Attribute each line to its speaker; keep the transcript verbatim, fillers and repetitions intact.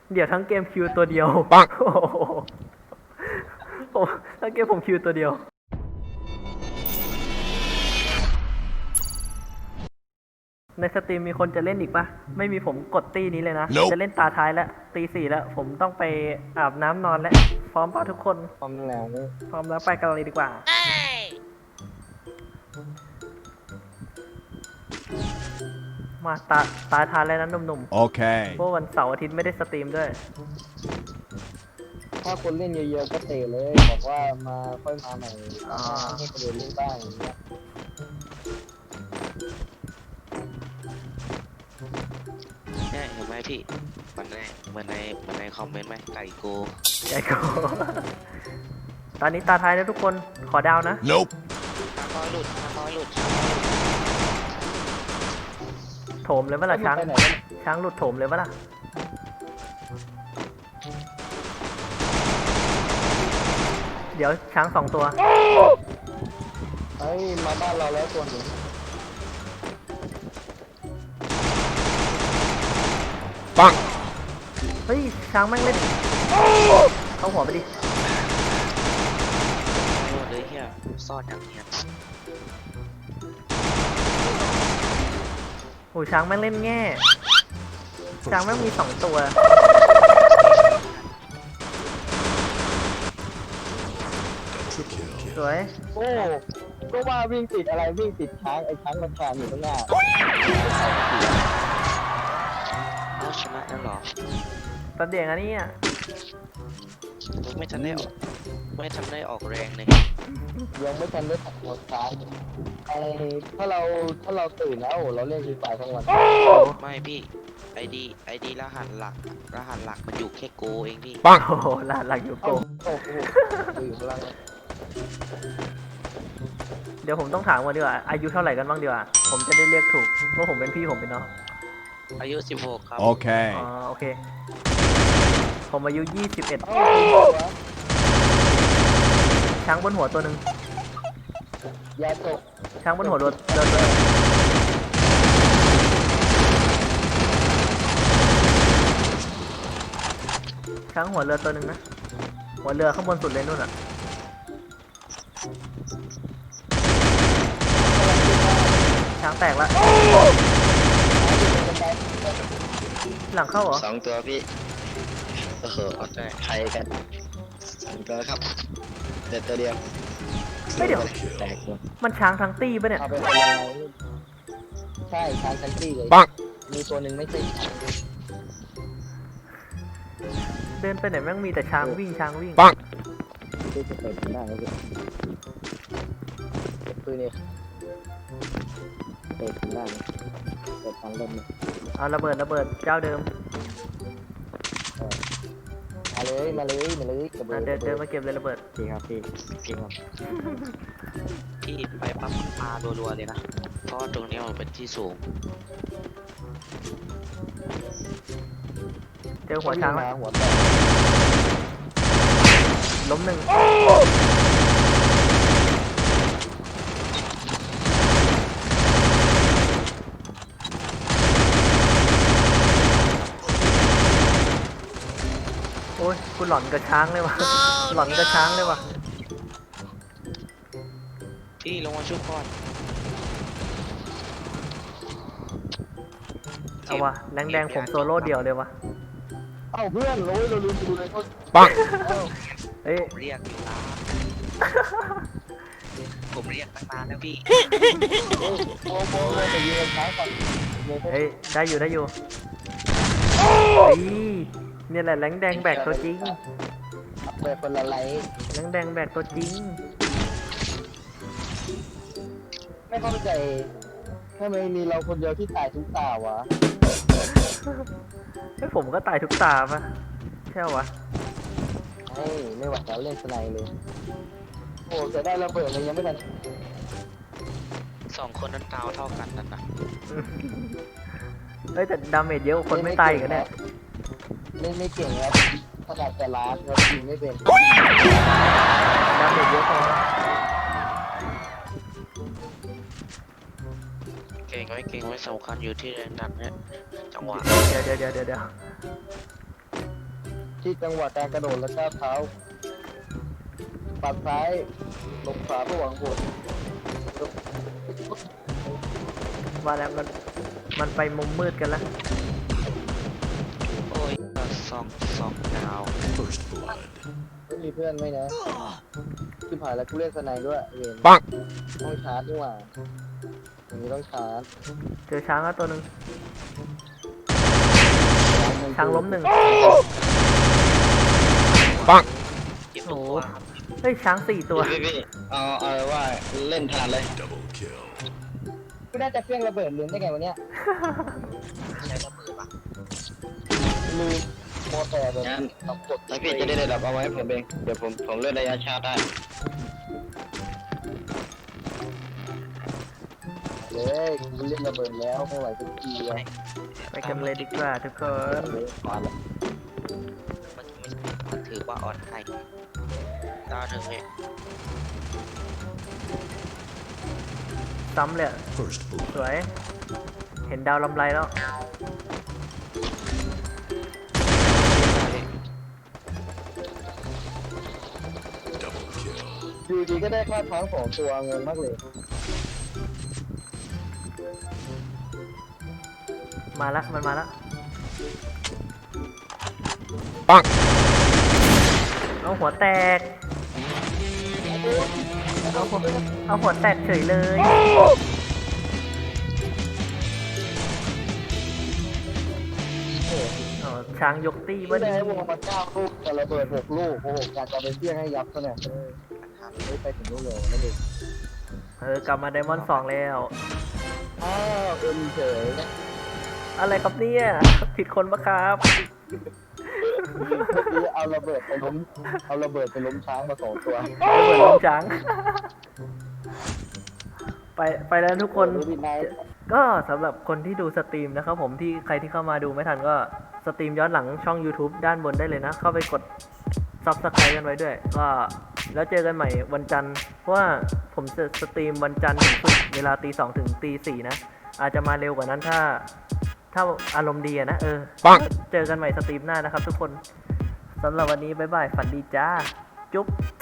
Speaker 1: เดี๋ยวทั้งเกมคิวตัวเดียวปังโอ้ทั้งเกมผมคิวตัวเดียวในสตรีมมีคนจะเล่นอีกปะไม่มีผมกดตีนี้เลยนะ nope. จะเล่นตาท้ายแล้วตีสี่แล้วผมต้องไปอาบน้ำนอนแล้วพร้อมป่ะทุกคน
Speaker 2: พร้อมแล้ว
Speaker 1: พร้อมแล้วไปกันเลยดีกว่ามาตาตาท้ายแล้วนะหนุ่มๆโอเคเพราะวันเสาร์อาทิตย์ไม่ได้สตรีมด้วย
Speaker 2: ถ้าคนเล่นเยอะๆก็เตะเลยบอกว่ามาค่อยมาใหม่ให้คนอื่นเล่นบ้างอย่างเงี้ย
Speaker 3: เนี่ยเห็นไหมพี่มันในเหมือนในเหมือนในคอมเมนต์ไหมไก่โก
Speaker 1: ไก่โกตอนนี้ตาท้ายแล้วทุกคนขอดาวนะ
Speaker 3: nope ตาคอยหลุดตาคอยหลุด
Speaker 1: โถมเลยเมื่อไหร่ช้างช้างหลุดโถมเลยเมื่อไหร่เดี๋ยวช้างสองตัว
Speaker 2: เฮ้ยมาบ้านเราแล้วตัวหนึ่ง
Speaker 1: ปังเฮ้ยช้างแม่งเล่นเข้าหัวไปดิ
Speaker 3: ไม่หมดเลยเฮียซ่อนอย่างเงี้ย
Speaker 1: โอ้ช้างแม่งเล่นแง่ช้างแม่งมีสองตัวสวย
Speaker 2: โอ้ก็ว่าวิ่งติดอะไรวิ่งติดช้างไอ้ช้างมันแทนอยู่ข้างหน้า
Speaker 3: เอาชนะแล้วหรอ
Speaker 1: ตอนเด็กอันนี้อ่ะ
Speaker 3: ไม่ทันได้ออกไม่ทันได้ออกแรงเลย
Speaker 2: ยังไม่ทันได้ตัดหัวช้างไอ้ถ้าเราถ้าเราตื่นแล้วเราเล่นฟรีไฟทั้งวัน
Speaker 3: ไม่พี่ไอดีไอดีรหัสหลักรหัสหลักมันอยู่แค่โกเองพี่
Speaker 1: ปังโอ้โหรหัสหลักอยู่โกเดี๋ยวผมต้องถามก่อนดีกว่าอายุเท่าไหร่กันบ้างดีกว่าผมจะได้เรียกถูกว่าผมเป็นพี่ผมเป็นน้อง
Speaker 3: อายุสิบหกครับ
Speaker 1: โอเคอ๋อโอเคผมอายุยี่สิบเอ็ดช้างบนหัวตัวหนึ่ง
Speaker 2: ยาตก
Speaker 1: ช้างบนหัวรถเดินช้างหัวเรือตัวหนึ่งนะหัวเรือข้างบนสุดเลยนู่นอ่ะช้างแตกแล้วหลังเข้าเหรอ
Speaker 3: สองตัวพี่โอ้โหใครกันสองตัวครับเด็ดตัวเดียว
Speaker 1: ไม่เดี๋ยว
Speaker 3: แตก
Speaker 1: มันช้างทั้งตี้ปะเนี่ย
Speaker 2: ใช่ช้างทั้งตี้เลยมีตัวหนึ่งไม่ใช่ช้าง
Speaker 1: เดินไปไหนแม่งมีแต่ช้างวิ่งช้างวิ่ง
Speaker 2: ปังที่จะเปิดหน้าแล้วสิปืนเนี่ยเปิดหน้าเปิดทางลม
Speaker 1: เอาระเบิดระเบิดเจ้าเดิม
Speaker 2: มาเลยมาเลยมาเลย
Speaker 1: เดินเดินมาเก็บเลยระเบิด
Speaker 2: จริงครับพี่จริงครับ
Speaker 3: พี่ไปปั๊มปลารัวๆเลยนะเพราะตรงนี้มันเป็นที่สูง
Speaker 1: เจอหัวช้างแล้ว
Speaker 2: หัวแตก
Speaker 1: ล้มหนึ่งโอ้ยกูหลอนกับช้างเลยวะหลอนกับช้างเลยวะ
Speaker 3: พี่ลงมาช่วยก่อน
Speaker 1: เอาวะแดงแดงผมโซโล่เดี่ยวเลยวะ
Speaker 2: เอ้าเพื่อนโอ้ยเราลืมดูเลยเขา
Speaker 1: ปังเฮ้ย
Speaker 3: เรียกอยู่นะผมเรียกตั้งนานแล้วพี่
Speaker 2: โอ้โหแต่ยืนช้างก่อน
Speaker 1: เฮ้ยได้อยู่ได้อยู่นี่แหละแหลงแดงแบกตัวจริง
Speaker 2: แบกคนละไลท์
Speaker 1: แหลงแดงแบกตัวจริง
Speaker 2: ไม่เข้าใจทำไมมีเราคนเดียวที่ตายทุกตาวะ
Speaker 1: ไอ้ผมก็ตายทุกตาปะใช่วะ
Speaker 2: เฮ้ยไม่หวังแล้วเล่นสไนเลยโอ้จะได้ระเบิดเลยยังไม่ทัน
Speaker 3: สองคนนั้นดาวเท่ากันนั่นนะ
Speaker 1: เฮ้ยแต่ดาเมจเยอะคนไม่ตายกันแน่
Speaker 2: เล่นไม่เก่งครับขนาดแต่ล้านเรายิงไม่เป็น
Speaker 1: ดาเมจเยอะพอ
Speaker 3: เก่งไว้เก่งไว้สำคัญอยู่ที่แรงดันเนี่ยจังหวะ
Speaker 1: เดี๋ยวเดี๋ยวเดี๋ยวเดี๋ยว
Speaker 2: ที่จังหวะการกระโดดและก้าวเท้าปัดซ้ายลงขวาเพื่อหวังผล
Speaker 1: ว่าแล้วมันมันไปมุมมืดกันแล้ว
Speaker 3: โอ้ยสองสองดาว
Speaker 4: First blood.
Speaker 2: ไม่มีเพื่อนไหมนะที่ผ่านแล้วกูเล่นสไนด์ด้วยเวน
Speaker 3: ปัง
Speaker 2: ต้องชาร์จด้วยว่ะอย่างนี้ต้องชาร์จ
Speaker 1: เจอช้างแล้วตัวหนึ่งช้างล้มหนึ่ง
Speaker 3: ปัง
Speaker 1: โอ้โหเฮ้ยช้างสี่ตัว
Speaker 3: พี่พี่เอาเอาว่าเล่นถนัดเลย
Speaker 4: Double kill.
Speaker 2: กูน่าจะเพี้ยงระเบิดลืมได้ไงวันเนี้ย
Speaker 3: ใช้ระเบิดปะ
Speaker 2: ลืมโมแต่แบบ
Speaker 3: งั้น
Speaker 2: ทำกด
Speaker 3: แล้วพี่จะได้ระดับเอาไว้ผมเองเดี๋ยวผมผมเลื่อนระยะชาร์จได้
Speaker 2: เลยกูเล่นระเบิดแล้วไม่ไหวสักทีอ่ะ
Speaker 1: ไปกันเลยดีกว่าทุกคน
Speaker 2: เลยมาแล้ว
Speaker 3: มันมันถือว่าออนไลน์ดาวหนึ่งเลย
Speaker 1: ซ้ำเลยอะ
Speaker 4: First
Speaker 1: ส
Speaker 4: blood.
Speaker 1: วย เห็นดาวลำไรแล้ว
Speaker 4: Double kill.
Speaker 2: อยู่ดีก็ได้ค่าช้างสองตัวงงมากเลย
Speaker 1: มาละมันมาละ
Speaker 3: ปัง
Speaker 1: เอาหัวแตก เอาหัวเอาหัวแตกเฉยเลยอ๋อช้างยกตี้
Speaker 2: ไม่
Speaker 1: วะ
Speaker 2: ได้
Speaker 1: นี่
Speaker 2: ให้วงมาเก้าลูกแต่ระเบิดหกลูกโอ้โหการจะไปเพี้ยงให้ยับซะเนี่ยเออไม่ไปถึงลูกเลยนะเด็ก
Speaker 1: เออกลับมาไดมอนด์สองแล้ว
Speaker 2: อ้าวเอ็นเฉยนะ
Speaker 1: อะไรครับเนี่ยผิดคนปะครับ
Speaker 2: เมื่อกี้เอาระเบิดไปล้มเอาระเบิดไปล้มช้างมาสองตัว
Speaker 1: ระเบิดลงจัง ไปไปแล้วทุกคน
Speaker 2: ดูดีไนท์
Speaker 1: ก็สำหรับคนที่ดูสตรีมนะครับผมที่ใครที่เข้ามาดูไม่ทันก็สตรีมย้อนหลังช่อง YouTube ด้านบนได้เลยนะ เข้าไปกด Subscribe กันไว้ด้วย ก็แล้วเจอกันใหม่วันจันทร์เพราะว่าผมจะสตรีมวันจันทร์ถึงศุกร์เวลาตีสองถึงตีสี่นะ อาจจะมาเร็วกว่านั้นถ้า ถ้าอารมณ์ดีอะนะเออ
Speaker 3: ปัง
Speaker 1: เจอกันใหม่สตรีมหน้านะครับทุกคนสำหรับวันนี้บ๊ายบายฝันดีจ้า จุ๊บ